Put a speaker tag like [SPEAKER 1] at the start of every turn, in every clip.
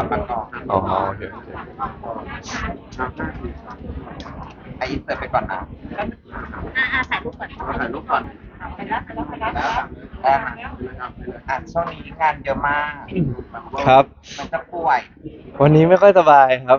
[SPEAKER 1] ลับมาก่อน
[SPEAKER 2] อ๋อโอเค
[SPEAKER 1] อินเสิร์ตไปก่อนนะ
[SPEAKER 3] ถ่ายรูปก่อน
[SPEAKER 1] ถ่ายรูปก่อน
[SPEAKER 3] ไปแล้วไปแล้วไปแล้ว
[SPEAKER 1] แล้วช่วงนี้งานเยอะมาก
[SPEAKER 2] ครับ
[SPEAKER 1] มันจะป่วย
[SPEAKER 2] วันนี้ไม่ค่อยสบายครับ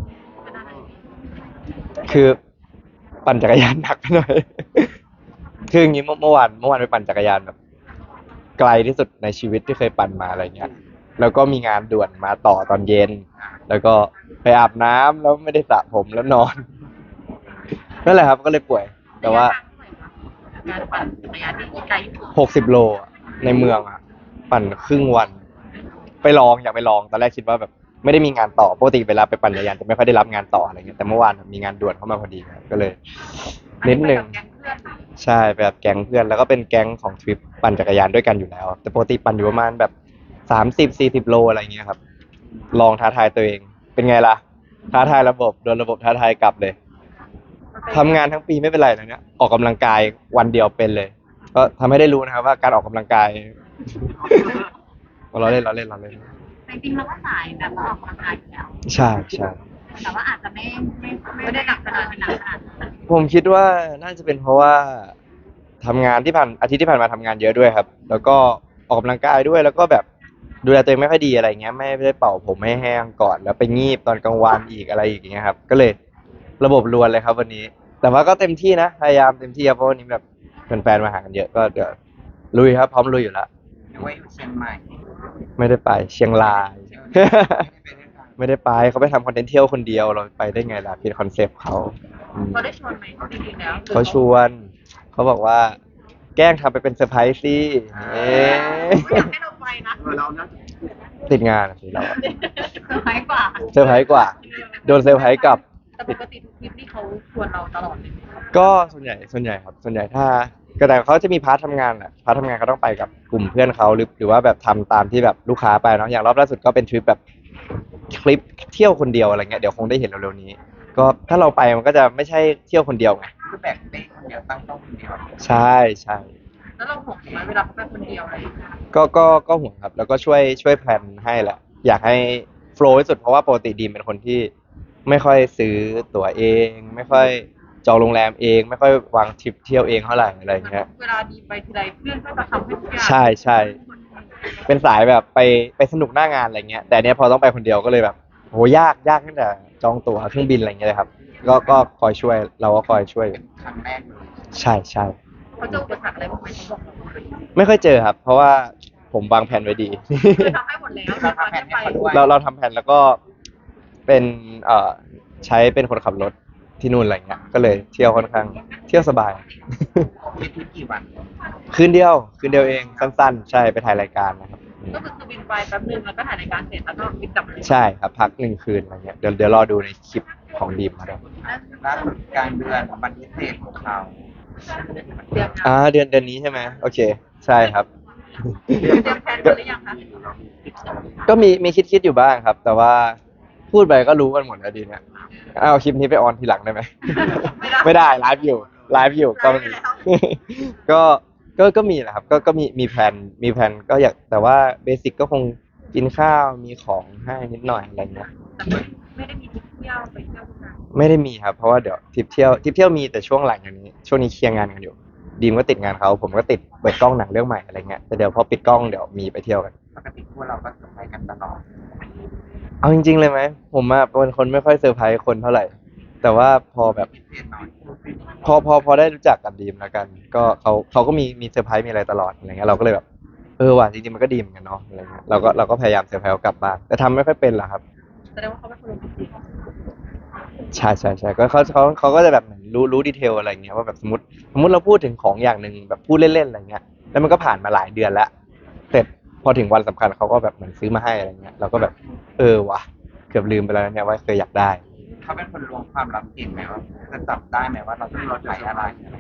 [SPEAKER 2] คือปั่นจักรยานหนักไปหน่อย คืออย่างนี้เมื่อวานไปปั่นจักรยานแบบไกลที่สุดในชีวิตที่เคยปั่นมาอะไรเงี้ย แล้วก็มีงานด่วนมาต่อตอนเย็น แล้วก็ไปอาบน้ำแล้วไม่ได้สระผมแล้วนอน นั่นแหละครับก็เลยป่วย แต่ว่า
[SPEAKER 3] การปั่นจักรยานที่ไกลที่สุด
[SPEAKER 2] 60 โลอะในเมืองอ่ะปั่นครึ่งวันไปลองอยากไปลองตอนแรกคิดว่าแบบไม่ได้มีงานต่อปกติเวลาไปปั่นจักรยานจะไม่ค่อยได้รับงานต่ออะไรเงี้ยแต่เมื่อวานมีงานด่วนเข้ามาพอดีครับก็เลยนิดนึงใช่ไปแบบแก๊งเพื่อนแล้วก็เป็นแก๊งของทริปปั่นจักรยานด้วยกันอยู่แล้วแต่ปกติปั่นอยู่ประมาณแบบ30-40 โลอะไรเงี้ยครับลองท้าทายตัวเองเป็นไงล่ะท้าทายระบบโดนระบบท้าทายกลับเลยทำงานทั้งปีไม่เป็นไรนะเนี่ยออกกำลังกายวันเดียวเป็นเลยก็ทำให้ได้รู้นะครับว่าการออกกำลังกาย เราเล่น
[SPEAKER 3] จริงๆเราก็สายแบบว่าออกกำลังกายอยู่แล้ว
[SPEAKER 2] ใช่ใช่
[SPEAKER 3] แต่ว่าอาจจะไม่ได้หนักขนาดนั้น
[SPEAKER 2] ผมคิดว่าน่าจะเป็นเพราะว่าทำงานที่ผ่านอาทิตย์ที่ผ่านมาทำงานเยอะด้วยครับแล้วก็ออกกำลังกายด้วยแล้วก็แบบดูแลตัวเองไม่ค่อยดีอะไรเงี้ยไม่ได้เป่าผมให้แห้งก่อนแล้วไปงีบตอนกลางวันอีกอะไรอีกอย่างเงี้ยครับก็เลยระบบรวนเลยครับวันนี้แต่ว่าก็เต็มที่นะพยายามเต็มที่ครับเพราะวันนี้แบบแฟนๆมาหากันเยอะก็เดี๋ยวลุยครับพร้อมลุยอยู่แล้ว
[SPEAKER 1] หรือว่าอยู่เชียงใหม่
[SPEAKER 2] ไม่ได้ไปเชียงราย
[SPEAKER 1] ไม่ได้ไปด้วยกัน
[SPEAKER 2] ไม่ได้ไปเขาไปทำคอนเทนต์เที่ยวคนเดียวเราไปได้ไงล่ะผิดคอนเซปต์เขา
[SPEAKER 3] เขาได้ชวนไหมจริงๆแล้ว
[SPEAKER 2] เขาชวนเขาบอกว่าแกล้งทำไปเป็นเซอร์ไพรส์สิ
[SPEAKER 3] อยากให้เราไปนะ
[SPEAKER 1] เรานะ
[SPEAKER 2] ติดงานสิเรา
[SPEAKER 3] เซอร์ไพรส์กว่า
[SPEAKER 2] เซอร์ไพรส์กว่าโดนเซอร์ไพรส์กลับ
[SPEAKER 3] แต่ปกติทุกทริปนี่เขาชวนเราตลอดเลย
[SPEAKER 2] ก็ส่วนใหญ่ครับส่วนใหญ่ถ้าก็แต่เขาจะมีพาร์ททำงานแหละพาร์ททำงานก็ต้องไปกับกลุ่มเพื่อนเขาหรือว่าแบบทำตามที่แบบลูกค้าไปเนาะอย่างรอบล่าสุดก็เป็นทริปแบบคลิปเที่ยวคนเดียวอะไรเงี้ยเดี๋ยวคงได้เห็นเร็วๆนี้ก็ถ้าเราไปมันก็จะไม่ใช่เที่ยวคนเดียวไง
[SPEAKER 1] คือแบกเป้คนเดียวตั้งโต๊ะคนเดียว
[SPEAKER 2] ใช่
[SPEAKER 3] แล้วเราห่วงไหมเวลาเขาไปคนเดียวอะไรอย่างเงี้ย
[SPEAKER 2] ก็ห่วงครับแล้วก็ช่วยแพลนให้แหละอยากให้โฟลว์ที่สุดเพราะว่าปกติดีมเป็นคนที่ไม่ค่อยซื้อตั๋วเองไม่ค่อยจองโรงแรมเองไม่ค่อยวางทริปเที่ยวเองเท่าไหร่อะไรเงี้ย
[SPEAKER 3] เวลาดีไปทีไรเพื่อนก็จะทำให้ทุกอย่าง
[SPEAKER 2] ใช่เป็นสายแบบไปสนุกหน้างานอะไรเงี้ยแต่เนี้ยพอต้องไปคนเดียวก็เลยแบบโหยากตั้งแต่จองตั๋วเครื่องบินอะไรเงี้ยเลยครับก็คอยช่วยเราก็คอยช่วย
[SPEAKER 1] ครั้งแรกเลย
[SPEAKER 2] ใช่
[SPEAKER 3] เขาเจออุปสรรคอะไรบ้างไหมเขาบอกเรา
[SPEAKER 2] ไม่ค่อยเจอครับเพราะว่าผมวางแผนไว้ดี
[SPEAKER 3] คือทำให้หมดแล้วเราทำให้ไป
[SPEAKER 2] เราทำแผนแล้วก็เป็นใช้เป็นคนขับรถที่นู่นอะไรเงี้ยก็เลยเที่ยวค่อนข้างเที่ยวสบาย
[SPEAKER 1] ทริปกี่วัน
[SPEAKER 2] คืนเดียวเองสั้นๆใช่ไปถ่ายรายการนะครับ
[SPEAKER 3] ก็คือบินไปแป๊บนึงแล้วก็ถ่ายรายการเสร็จแล้วก็บินกลับเลย
[SPEAKER 2] ใช่ครับพัก1 คืนอะไรเงี้ยเดี๋ยวรอดูในคลิปของดีมครับ
[SPEAKER 1] ล่าสุดกลางเดือนวันพิเศษของเขา
[SPEAKER 2] เดือนนี้ใช่ไหมโอเคใช่ครับ
[SPEAKER 3] เตรียมแผนกันหรือยังคะ
[SPEAKER 2] ก็มีคิดอยู่บ้างครับ แต่ว่าพูดไปก็รู้กันหมดแล้วดีเนี่ยเอาคลิปนี้ไปออนทีหลังได้ไหม ไม่ได้ไลฟ์อยู่ก็มี ก็ก็มีแหละครับก็มีแผนก็อยากแต่ว่าเบสิกก็คงกินข้าวมีของให้นิดหน่อยอะไรเงี้ย
[SPEAKER 3] แต่ไม่ได้มีทริปเที่ยวไปเที่ยวทุกงาน
[SPEAKER 2] ไม่ได้มีครับเพราะว่าเดี๋ยวทริปเที่ยวมีแต่ช่วงหลังอย่างนี้ช่วงนี้เคลียร์งานกันอยู่ดีมก็ติดงานเขาผมก็ติดเปิดกล้องหนังเรื่องใหม่อะไรเงี้ยแต่เดี๋ยวพอปิดกล้องเดี๋ยวมีไปเที่ยวกัน
[SPEAKER 1] ปกติพวกเราก็จะไปกันตลอด
[SPEAKER 2] เอาจริงๆเลยไหมผมอะเป็นคนไม่ค่อยเซอร์ไพรส์คนเท่าไหร่แต่ว่าพอแบบ
[SPEAKER 1] พิเศษหน่อย
[SPEAKER 2] พอได้รู้จักกับดีมแล้วกันก็เขาก็มีเซอร์ไพรส์มีอะไรตลอดอะไรเงี้ยเราก็เลยแบบว่ะจริงๆมันก็ดีเหมือนกันเนาะอะไรเงี้ยเราก็พยายามเซอร์ไพรส์เขากลับบ้านแต่ทำไม่ค่อยเป็นหรอกครับ
[SPEAKER 3] แสดงว่าเขาเป็นคนโรแมนติก
[SPEAKER 2] ใช่ก็เขาก็จะแบบเหมือนรู้ดีเทลอะไรเงี้ยว่าแบบสมมติเราพูดถึงของอย่างหนึ่งแบบพูดเล่นๆอะไรเงี้ยแล้วมันก็ผ่านมาหลายเดือนแล้วเสร็จพอถึงวันสำคัญเขาก็แบบเหมือนซื้อมาให้อะไรเงี้ยเราก็แบบว่ะเกือบลืมไปแล้วเนี่ยว่าเคยอยากได้
[SPEAKER 1] เขาเป็นคนล้วงความลับเก่งไหมว่าจะจับได้ไหมว่าเราใช้อะไร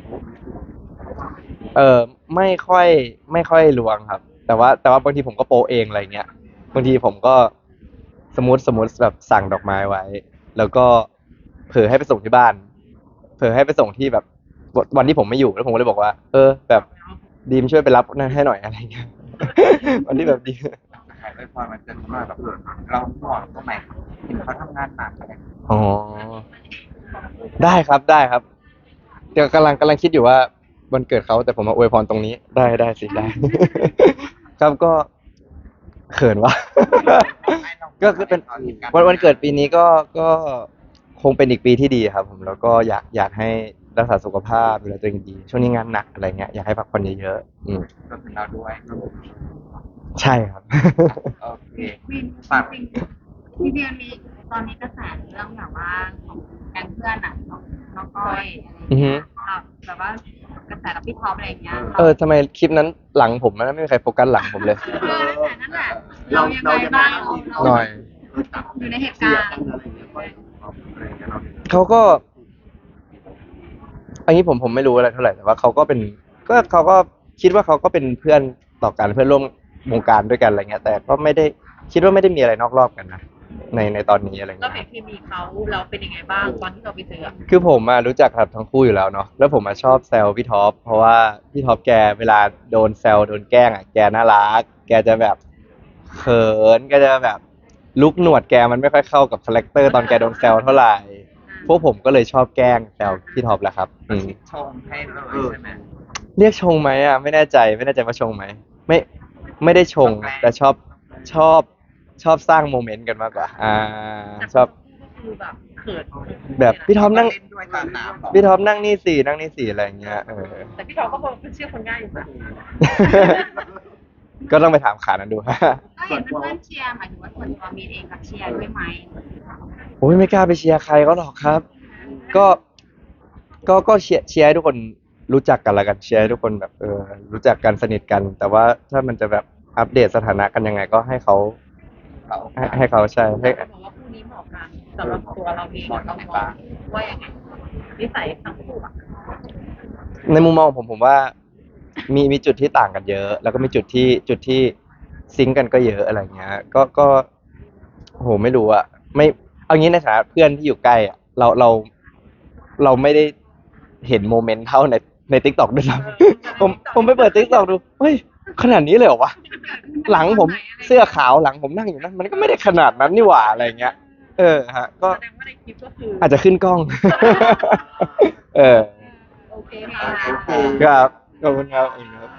[SPEAKER 2] ไม่ค่อยล้วงครับแต่ว่าบางทีผมก็โปะเองอะไรเงี้ยบางทีผมก็สมมติแบบสั่งดอกไม้ไว้แล้วก็เผลอให้ไปส่งที่บ้านเผลอให้ไปส่งที่แบบวันที่ผมไม่อยู่แล้วผมก็เลยบอกว่าแบบดีมช่วยไปรับนั่นให้หน่อยอะไรเงี้ยวันที่แบบดี
[SPEAKER 1] ถ่ายไว้พอมันเกิดขึ้นมาแบบเราห่วงตรงไหนเห็นเขาทำงานหนักอะไร
[SPEAKER 2] อ๋อได้ครับได้ครับเดี๋ยวกำลังคิดอยู่ว่าวันเกิดเขาแต่ผมมาอวยพรตรงนี้ได้สิได้ ครับก็เขินวะ ก็คือเป็นวันเกิดปีนี้ก็คงเป็นอีกปีที่ดีครับผมแล้วก็อยากให้รักษาสุขภาพดูแลตัวเองดีช่วงนี้งานหนักอะไรเงี้ยอยากให้พักผ่อนเยอะๆ
[SPEAKER 1] รวมถึงเราด้วย
[SPEAKER 2] ใช่ครับ
[SPEAKER 1] โอเค
[SPEAKER 3] วินจริงๆที่เดือนนี้ตอนนี้กระแสเรื่องแบบว่าของแก๊งเพื่อนอ่ะของน้องก้อยอะไรอย่างเงี้ยแบบว่ากระแสกับพี่ท็อปอะไรอย่างเงี้ย
[SPEAKER 2] ทำไมคลิปนั้นหลังผมนะไม่มีใครโฟกัสหลังผมเลย
[SPEAKER 3] นั่นแหละเรายังไงบ้าง
[SPEAKER 2] หน่อย
[SPEAKER 3] อยู่ในเหตุการณ์
[SPEAKER 2] เขาก็ อันนี้ผมไม่รู้อะไรเท่าไหร่แต่ว่าเขาก็เป็นเขาก็คิดว่าเขาก็เป็นเพื่อนต่อกันเพื่อนร่วมวงการด้วยกันอะไรเงี้ยแต่ก็ไม่ได้คิดว่าไม่ได้มีอะไรนอกรอบกันนะในตอนนี้อะไร
[SPEAKER 4] เรา
[SPEAKER 2] เงี้ย
[SPEAKER 4] เห็นเคมีเขาเราเป็นยังไงบ้างตอนที่เราไปเจออะ
[SPEAKER 2] คือผมรู้จักครับทั้งคู่อยู่แล้วเนาะแล้วผมชอบแซวพี่ท็อปเพราะว่าพี่ท็อปแกเวลาโดนแซวโดนแกล้งแกน่ารักแกจะแบบเขินแกจะแบบลุกหนวดแกมันไม่ค่อยเข้ากับคาแรคเตอร์ตอนแกโดนแซวเท่าไหร่พวกผมก็เลยชอบแกล้งแซวพี่ท็อปแหละครับ
[SPEAKER 1] ชงให้เลยใช่ไหม
[SPEAKER 2] เรียกชงไหมไม่แน่ใจว่าชงไหมไม่ได้ชงแต่ชอบสร้างโมเมนต์กันมากกว่าชอบ
[SPEAKER 4] ก็คือแบบเขิน
[SPEAKER 2] แบบพี่ท็อปนั่ง
[SPEAKER 1] เล่นด้วยตอนน้ำ
[SPEAKER 2] พี่ท็อปนั่งนี่สี่อะไรอย่างเงี้ย
[SPEAKER 4] แต่พี่ทอก็บอกเชื่อคนง่ายอยู่นะ
[SPEAKER 2] ก็ต้องไปถามขานั้นดู
[SPEAKER 3] ก็เห็นเพื่อนๆเชียร์หมายถึงว่าส่วนตัวมีเองกับเชียร์ด้วยไหม
[SPEAKER 2] โอ้ยไม่กล้าไปเชียร์ใครเขาหรอกครับ ก็เชียร์ให้ทุกคนรู้จักกันละกันเชียร์ให้ทุกคนแบบรู้จักกันสนิทกัน แต่ว่าถ้ามันจะแบบอัปเดตสถานะกันยังไงก็ให้เขาให้เขาใช่ให้
[SPEAKER 4] บอกว่าคู่นี้เหมาะกันสำหรับตัวเราเองเรามองว่ายังไงนิสัยทั้งคู่อะ
[SPEAKER 2] ในมุมมองของผมว่ามีจุดที่ต่างกันเยอะ แล้วก็มีจุดที่ซิงก์กันก็เยอะอะไรเงี้ยก็โหไม่รู้อะไม่เอางี้ในฐานะเพื่อนที่อยู่ใกล้อะเราไม่ได้เห็นโมเมนต์เท่าใน TikTok ด้วยซ้ำผมไปเปิด TikTok ดูเฮ้ยขนาดนี้เลยเหรอวะหลังผมเสื้อขาวหลังผมนั่งอยู่นั่นมันก็ไม่ได้ขนาดนั้นนี่หว่าอะไรเงี้ยฮะก็
[SPEAKER 4] แสดงว่าในคลิปก็คือ
[SPEAKER 2] อาจจะขึ้นกล้อง
[SPEAKER 4] โอเคค่ะ
[SPEAKER 2] ครับขอบคุณครับ